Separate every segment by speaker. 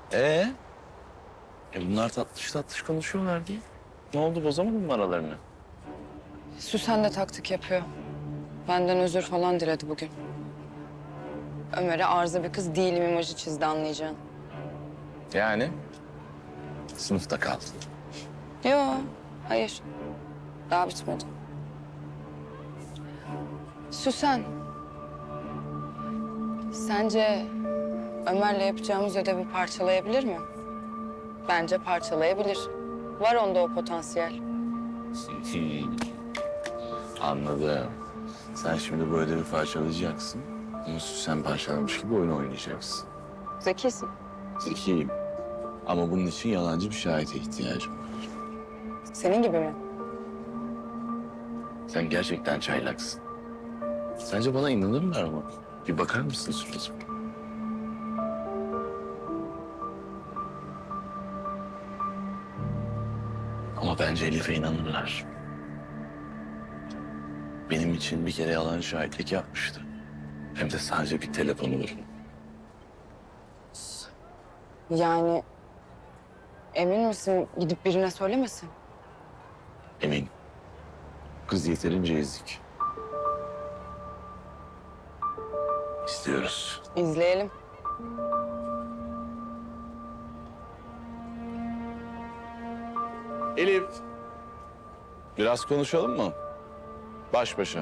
Speaker 1: Ee? Bunlar tatlış tatlış konuşuyorlar diye. Ne oldu, bozamadın mı aralarını?
Speaker 2: Süsen de taktik yapıyor. Benden özür falan diledi bugün. Ömer'e arıza bir kız değilim imajı çizdi anlayacağın.
Speaker 1: Yani? Sınıfta kaldın.
Speaker 2: Yo, hayır. Daha bitmedi. Süsen. Sence Ömer'le yapacağımız ödevi parçalayabilir mi? Bence parçalayabilir. Var onda o potansiyel.
Speaker 1: Anladım. Sen şimdi bu ödevi parçalayacaksın. Ama sen parçalamış gibi oyun oynayacaksın.
Speaker 2: Zekisin.
Speaker 1: Zekiyim. Ama bunun için yalancı bir şahite ihtiyacım var.
Speaker 2: Senin gibi mi?
Speaker 1: Sen gerçekten çaylaksın. Sence bana inanırlar mı? Bir bakar mısın suratıma? Ama bence Elif'e inanırlar. Benim için bir kere yalan şahitlik yapmıştı. Hem de sadece bir telefonu var.
Speaker 2: Yani emin misin gidip birine söylemesin?
Speaker 1: Emin. Kız yeterince ezik. İstiyoruz.
Speaker 2: İzleyelim.
Speaker 1: Elif. Biraz konuşalım mı? Baş başa.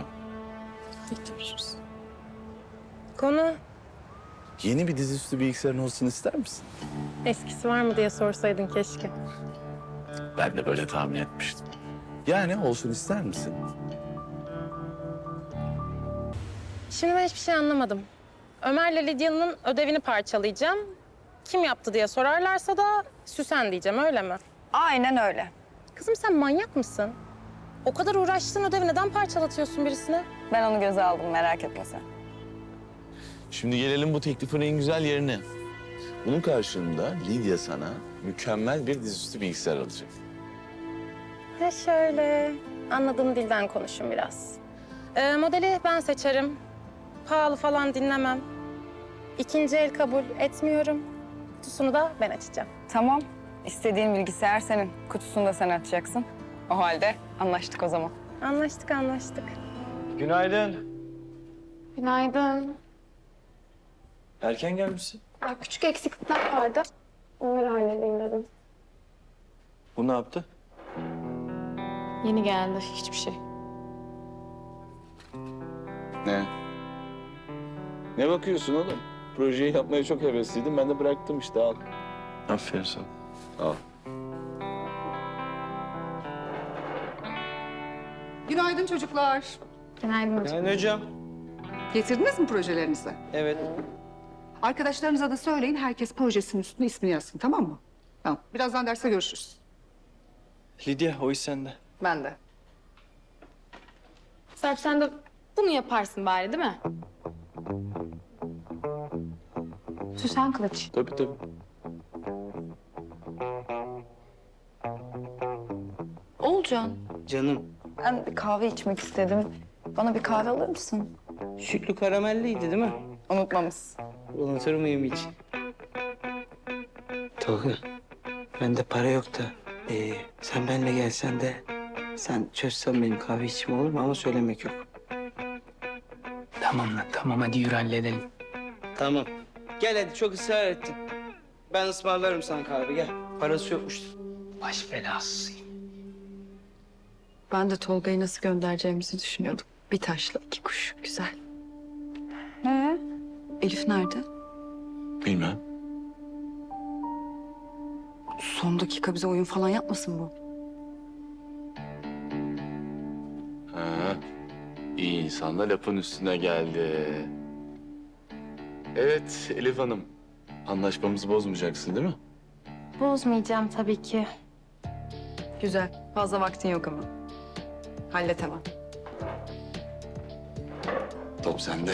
Speaker 3: Konu
Speaker 1: Yeni bir dizüstü bilgisayarın olsun ister misin?
Speaker 3: eskisi var mı diye sorsaydın keşke.
Speaker 1: Ben de böyle tahmin etmiştim. Yani olsun ister misin?
Speaker 3: Şimdi ben hiçbir şey anlamadım. Ömer'le Lidya'nın ödevini parçalayacağım. Kim yaptı diye sorarlarsa da Süsen diyeceğim, öyle mi?
Speaker 2: Aynen öyle.
Speaker 3: Kızım sen manyak mısın? O kadar uğraştığın ödevi neden parçalatıyorsun birisine?
Speaker 2: Ben onu göze aldım merak etme sen.
Speaker 1: Şimdi gelelim bu teklifin en güzel yerine. Bunun karşılığında Lidya sana mükemmel bir dizüstü bilgisayar alacak.
Speaker 3: He şöyle, anladığım dilden konuşun biraz. Modeli ben seçerim. Pahalı falan dinlemem. İkinci el kabul etmiyorum. Kutusunu da ben açacağım.
Speaker 2: Tamam. İstediğin bilgisayar senin. Kutusunu da sen açacaksın. O halde anlaştık o zaman.
Speaker 3: Anlaştık, anlaştık.
Speaker 4: Günaydın.
Speaker 5: Günaydın.
Speaker 4: Erken gelmişsin.
Speaker 5: Ya küçük eksiklikler vardı. Onları halledeyim dedim.
Speaker 4: Bu ne yaptı?
Speaker 5: Yeni geldi. Hiçbir şey.
Speaker 1: Ne? Ne bakıyorsun oğlum? Projeyi yapmaya çok hevesliydim. Ben de bıraktım işte, al.
Speaker 4: Aferin sana.
Speaker 1: Al.
Speaker 6: Günaydın çocuklar.
Speaker 5: Günaydın hocam.
Speaker 4: Yani hocam.
Speaker 6: Getirdiniz mi projelerinizi?
Speaker 4: Evet.
Speaker 6: Arkadaşlarınıza da söyleyin, herkes projesinin üstüne ismini yazsın, tamam mı? Tamam, birazdan derste görüşürüz.
Speaker 4: Lidya, o iş sende.
Speaker 6: Ben de.
Speaker 5: Serp sen de bunu yaparsın bari değil mi? Süsen Kılıç.
Speaker 1: Tabii tabii.
Speaker 2: Olcan,
Speaker 7: Canım,
Speaker 2: ben bir kahve içmek istedim. Bana bir kahve alır mısın?
Speaker 7: sütlü karamelliydi değil mi?
Speaker 2: Unutmamız.
Speaker 7: Unutur muyum hiç? Tolga, bende para yok da sen benimle gelsen de sen çözsen benim kahve içimi olur mu? Ama söylemek yok.
Speaker 8: Tamam lan tamam hadi yürü halledelim.
Speaker 7: Tamam. Gel hadi çok ısrar ettin. Ben ısmarlarım sana kahve gel. Parası yokmuştur.
Speaker 8: Baş belasıyım.
Speaker 2: Ben de Tolga'yı nasıl göndereceğimizi düşünüyordum. Bir taşla iki kuş. Güzel. Elif nerede?
Speaker 1: Bilmem.
Speaker 2: Son dakika bize oyun falan yapmasın bu.
Speaker 1: Ha, iyi insan da lafın üstüne geldi. Evet Elif Hanım. Anlaşmamızı bozmayacaksın değil mi?
Speaker 5: Bozmayacağım tabii ki.
Speaker 2: Güzel. Fazla vaktin yok ama. Hallet hemen.
Speaker 1: Top sende.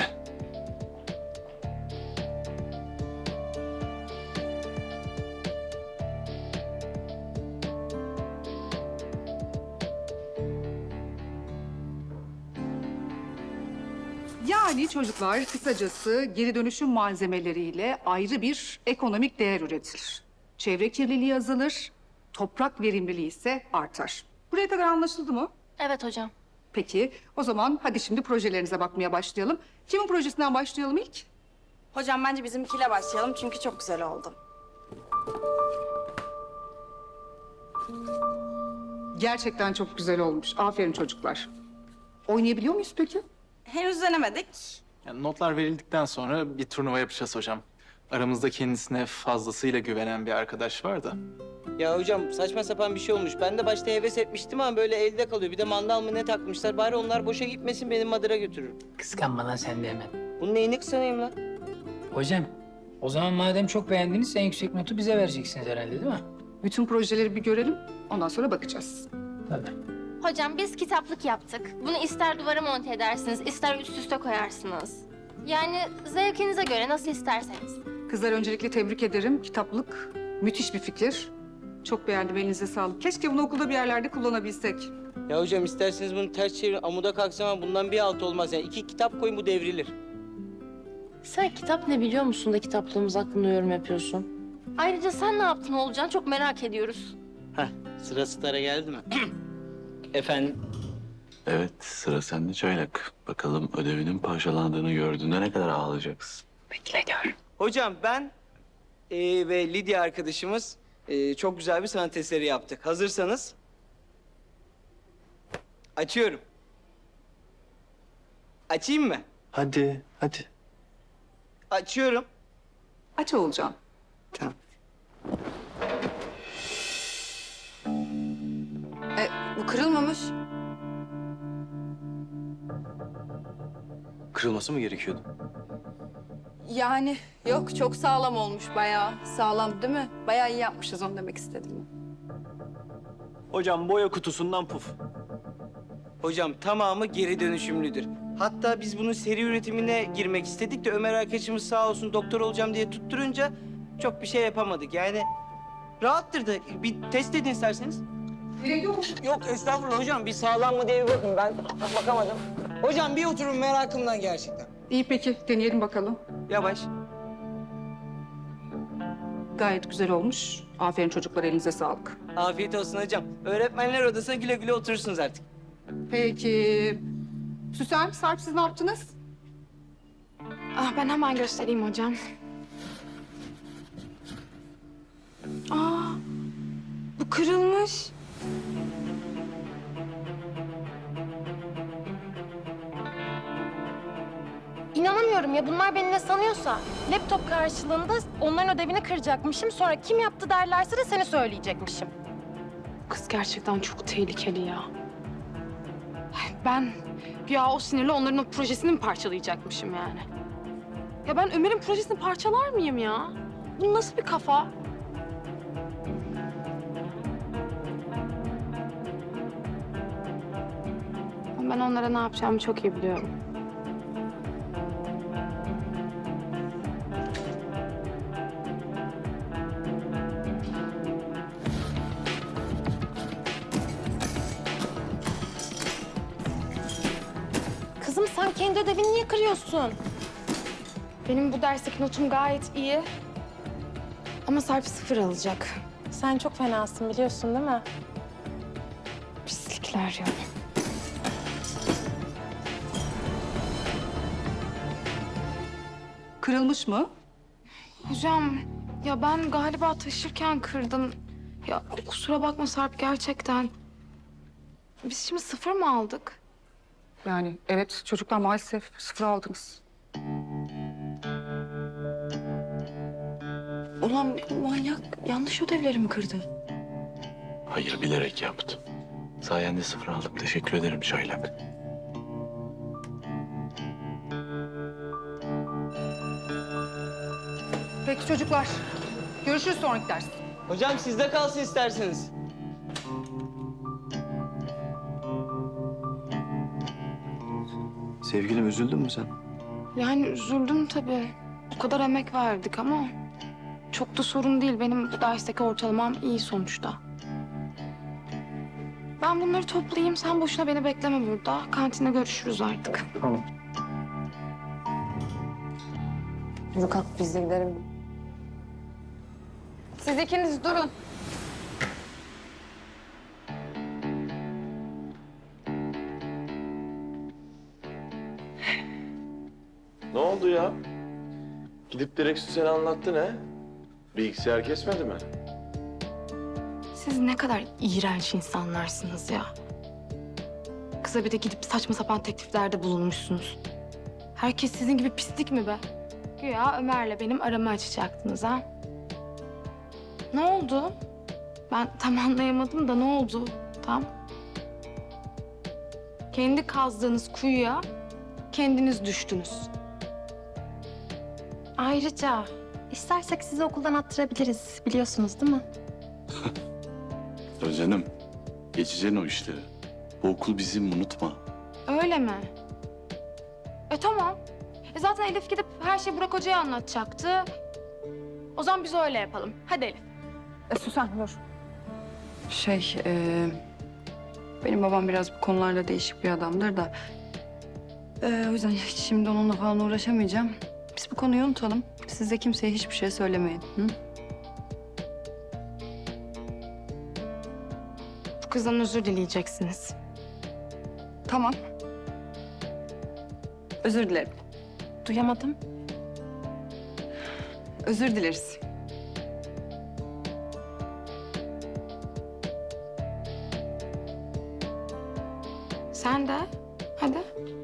Speaker 6: Yani çocuklar, kısacası geri dönüşüm malzemeleriyle ayrı bir ekonomik değer üretilir. çevre kirliliği azalır, toprak verimliliği ise artar. Buraya kadar anlaşıldı mı?
Speaker 5: Evet hocam.
Speaker 6: Peki, o zaman hadi şimdi projelerinize bakmaya başlayalım. Kimin projesinden başlayalım ilk?
Speaker 3: Hocam bence bizimkiyle başlayalım çünkü çok güzel oldu.
Speaker 6: Gerçekten çok güzel olmuş. Aferin çocuklar. Oynayabiliyor muyuz peki?
Speaker 3: Henüz denemedik.
Speaker 9: Yani notlar verildikten sonra bir turnuva yapacağız hocam. Aramızda kendisine fazlasıyla güvenen bir arkadaş var da.
Speaker 7: Ya hocam saçma sapan bir şey olmuş. Ben de başta heves etmiştim ama böyle elde kalıyor. Bir de mandal mı ne takmışlar. Bari onlar boşa gitmesin, benim Madıra götürür.
Speaker 8: Kıskanma lan sen de hemen.
Speaker 7: Bunun neyini kısanayım lan?
Speaker 8: Hocam, o zaman madem çok beğendiniz en yüksek notu bize vereceksiniz herhalde değil mi?
Speaker 6: Bütün projeleri bir görelim, ondan sonra bakacağız.
Speaker 8: Tabii.
Speaker 5: Hocam biz kitaplık yaptık. Bunu ister duvara monte edersiniz, ister üst üste koyarsınız. Yani zevkinize göre nasıl isterseniz.
Speaker 6: Kızlar öncelikle tebrik ederim. Kitaplık müthiş bir fikir. Çok beğendim, elinize sağlık. Keşke bunu okulda bir yerlerde kullanabilsek.
Speaker 7: Ya hocam isterseniz bunu ters çevirin. Amuda kalksam ama bundan bir alt olmaz. Yani 2 kitap koyun, bu devrilir.
Speaker 10: Sen kitap ne biliyor musun da kitaplığımız hakkında yorum yapıyorsun?
Speaker 5: Ayrıca sen ne yaptın Oğulcan? Çok merak ediyoruz.
Speaker 7: Heh, sıra Star'a geldi mi? Efendim?
Speaker 1: Evet, sıra sende Çaylak. Bakalım ödevinin parçalandığını gördüğünde ne kadar ağlayacaksın.
Speaker 7: Hocam ben ve Lidya arkadaşımız çok güzel bir sanat eseri yaptık. Hazırsanız açıyorum. Açayım mı?
Speaker 4: Hadi, hadi.
Speaker 7: Açıyorum.
Speaker 6: Aç Oğulcan.
Speaker 7: Tamam.
Speaker 2: Bu kırılmamış.
Speaker 4: Kırılması mı gerekiyordu?
Speaker 2: Yani yok çok sağlam olmuş bayağı. Sağlam değil mi? Bayağı iyi yapmışız onu demek istedim.
Speaker 4: Hocam boya kutusundan puf.
Speaker 7: Hocam tamamı geri dönüşümlüdür. Hatta biz bunun seri üretimine girmek istedik de Ömer arkadaşımız sağ olsun doktor olacağım diye tutturunca çok bir şey yapamadık. Yani rahattır da bir test edin isterseniz. Yok estağfurullah hocam, bir sağlam mı diye bir bakın, ben bakamadım. Hocam bir oturun, merakımdan gerçekten.
Speaker 6: İyi peki, deneyelim bakalım.
Speaker 7: Yavaş.
Speaker 6: Gayet güzel olmuş. Aferin çocuklar, elinize sağlık.
Speaker 7: Afiyet olsun hocam. Öğretmenler odasına güle güle oturursunuz artık.
Speaker 6: Peki. Süsen, Sarp siz ne yaptınız?
Speaker 5: Ah ben hemen göstereyim hocam.
Speaker 2: Bu kırılmış.
Speaker 3: İnanamıyorum ya, bunlar beni ne sanıyorsa. Laptop karşılığında onların ödevini kıracakmışım. Sonra kim yaptı derlerse de seni söyleyecekmişim.
Speaker 2: Kız gerçekten çok tehlikeli ya. Ben ya o sinirle onların o projesini mi parçalayacakmışım yani? Ya ben Ömer'in projesini parçalar mıyım ya? Bu nasıl bir kafa? Ben onlara ne yapacağımı çok iyi biliyorum.
Speaker 3: Kızım sen kendi ödevini niye kırıyorsun?
Speaker 2: Benim bu dersteki notum gayet iyi. Ama Sarp 0 alacak.
Speaker 3: Sen çok fenasın biliyorsun değil mi?
Speaker 2: Pislikler ya.
Speaker 6: Kırılmış mı?
Speaker 2: Hocam ya ben galiba taşırken kırdım. Ya kusura bakma Sarp gerçekten. Biz şimdi 0 mı aldık?
Speaker 6: Yani evet, çocuklar maalesef 0 aldınız.
Speaker 2: Ulan manyak yanlış ödevlerimi kırdı.
Speaker 1: Hayır, bilerek yaptım. Sayende 0 aldım. Teşekkür ederim Çaylak.
Speaker 6: Peki çocuklar, görüşürüz sonraki ders.
Speaker 7: Hocam sizde kalsın isterseniz.
Speaker 4: Sevgilim, üzüldün mü sen?
Speaker 2: Yani üzüldüm tabii. O kadar emek verdik ama çok da sorun değil. Benim bu dersteki ortalamam iyi sonuçta. Ben bunları toplayayım. Sen boşuna beni bekleme burada. Kantinde görüşürüz artık.
Speaker 4: Tamam.
Speaker 2: Yürü kalk biz de gidelim. Siz ikiniz durun.
Speaker 1: Ne oldu ya? Gidip direkt Süsen'e anlattın he? Bilgisayar kesmedi mi?
Speaker 2: Siz ne kadar iğrenç insanlarsınız ya. Kıza bir de gidip saçma sapan tekliflerde bulunmuşsunuz. Herkes sizin gibi pislik mi be? Güya Ömer'le benim aramı açacaktınız ha? Ne oldu? Ben tam anlayamadım da ne oldu tam? Kendi kazdığınız kuyuya kendiniz düştünüz.
Speaker 3: Ayrıca istersek sizi okuldan attırabiliriz. Biliyorsunuz değil mi?
Speaker 1: Ya canım, geçeceksin o işleri. Bu okul bizim, unutma.
Speaker 2: Öyle mi? Tamam. Zaten Elif gidip her şeyi Burak Hoca'ya anlatacaktı. O zaman biz öyle yapalım. Hadi Elif.
Speaker 6: Süsen dur. Benim babam biraz bu konularda değişik bir adamdır da. O yüzden hiç şimdi onunla falan uğraşamayacağım. Biz bu konuyu unutalım. Siz de kimseye hiçbir şey söylemeyin. Hı?
Speaker 2: Bu kızdan özür dileyeceksiniz.
Speaker 6: Tamam. Özür dilerim.
Speaker 3: Duyamadım.
Speaker 6: Özür dileriz.
Speaker 2: Sen de. Hadi.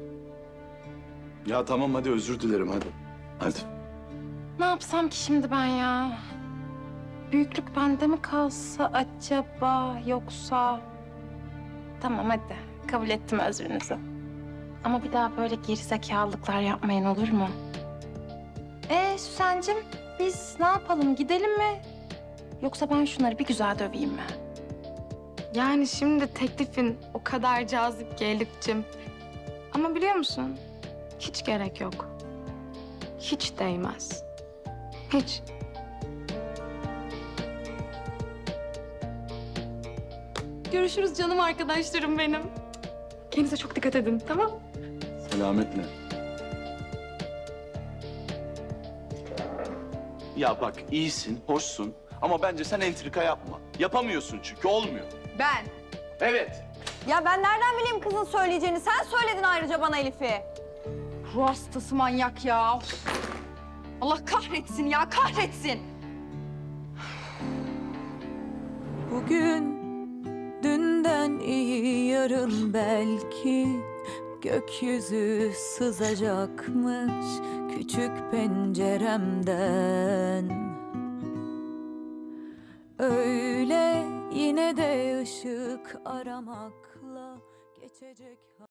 Speaker 1: Ya tamam hadi özür dilerim hadi. Hadi.
Speaker 3: Ne yapsam ki şimdi ben ya? Büyüklük bende mi kalsa acaba yoksa... Tamam hadi. Kabul ettim özrünüzü. Ama bir daha böyle gerizekalılıklar yapmayın olur mu? Süsen'cim biz ne yapalım gidelim mi? Yoksa ben şunları bir güzel döveyim mi?
Speaker 2: Yani şimdi teklifin o kadar cazip ki Elif'cim. Ama biliyor musun? Hiç gerek yok. Hiç değmez. Hiç. Görüşürüz canım arkadaşlarım benim. Kendinize çok dikkat edin, tamam?
Speaker 1: Selametle. Ya bak iyisin, hoşsun ama bence sen entrika yapma. Yapamıyorsun çünkü olmuyor.
Speaker 6: Ben.
Speaker 1: Evet.
Speaker 11: Ya ben nereden bileyim kızın söyleyeceğini? Sen söyledin ayrıca bana Elif'i.
Speaker 6: Ruh hastası manyak ya. Of. Allah kahretsin ya, kahretsin.
Speaker 12: Bugün dünden iyi yarın belki gökyüzü sızacakmış küçük penceremden. Öyle yine de ışık aramakla geçecek.